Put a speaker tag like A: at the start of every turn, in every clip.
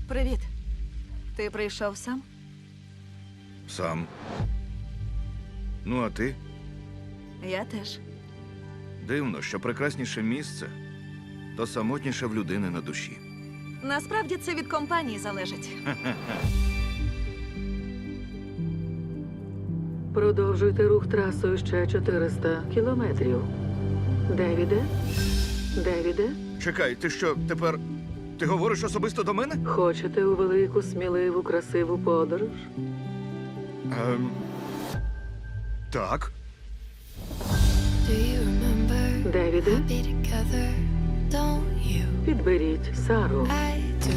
A: Привіт. Ти прийшов сам?
B: Сам. Ну, а ти?
A: Я теж.
B: Дивно, що прекрасніше місце, то самотніше в людини на душі.
A: Насправді це від компанії залежить.
C: Продовжуйте рух трасою ще 400 кілометрів. Девіде? Девіде?
B: Чекай, ти що, тепер... Ти говориш особисто до мене?
C: Хочете у велику, сміливу, красиву подорож?
B: Так.
D: Do you remember
C: Девіде?
D: be together? Don't you?
C: Підберіть Сару.
D: I do.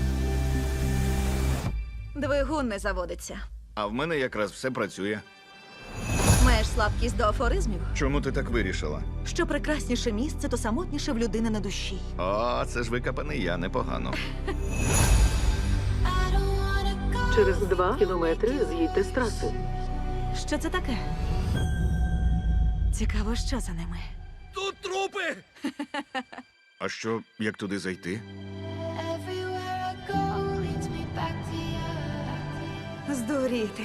A: Двигун не заводиться.
B: А в мене якраз все працює.
A: Маєш слабкість до афоризмів?
B: Чому ти так вирішила?
A: Що прекрасніше місце, то самотніше в людини на душі.
B: О, це ж викопаний я, непогано.
D: I don't wanna go.
C: Через 2 кілометри з'їдьте з траси.
A: Що це таке? Цікаво, що за ними.
B: Тут трупи! А що, як туди зайти?
D: Everywhere I go leads me back to you.
A: Здуріти.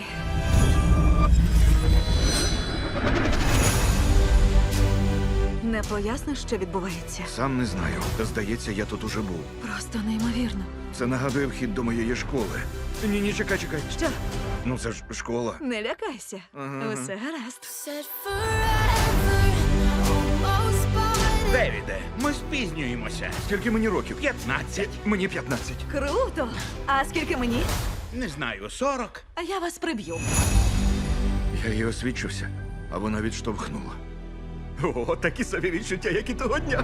A: Не поясниш, що відбувається?
B: Сам не знаю. Здається, я тут уже був.
A: Просто неймовірно.
B: Це нагадує вхід до моєї школи. Ні, чекай.
A: Що?
B: Ну це ж школа.
A: Не лякайся.
B: Ага.
A: Усе гаразд.
D: Said forever, almost but
E: Девіде, ми спізнюємося.
B: Скільки мені років?
E: 15.
B: Мені 15.
A: Круто! А скільки мені?
E: Не знаю, 40.
A: А я вас приб'ю.
B: Я їй освідчився, а вона відштовхнула. О, такі собі відчуття, як і того дня.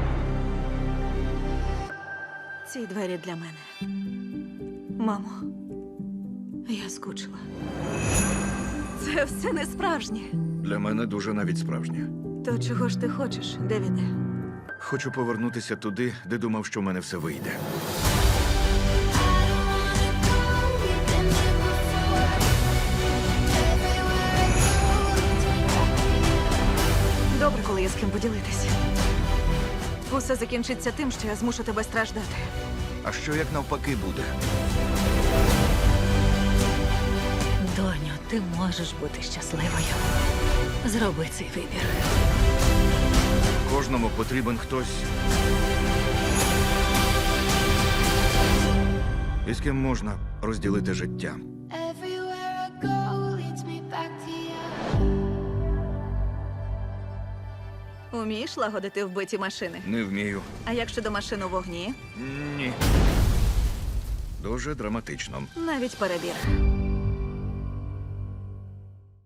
A: Ці двері для мене. Мамо, я скучила. Це все не справжнє.
B: Для мене дуже навіть справжнє.
A: То чого ж ти хочеш, Девіде?
B: Хочу повернутися туди, де думав, що в мене все вийде.
D: we've been here before. Everywhere I go leads me back to you.
A: Добре, коли є з ким поділитися. Усе закінчиться тим, що я змушу тебе страждати.
B: А що як навпаки буде?
A: Доню, ти можеш бути щасливою. Зроби цей вибір.
B: Кожному потрібен хтось, із ким можна розділити життя.
D: Everywhere I go leads me back to you.
A: Умієш лагодити вбиті машини?
B: Не вмію.
A: А як щодо машин у вогні?
B: Ні. Дуже драматично.
A: Навіть перебір.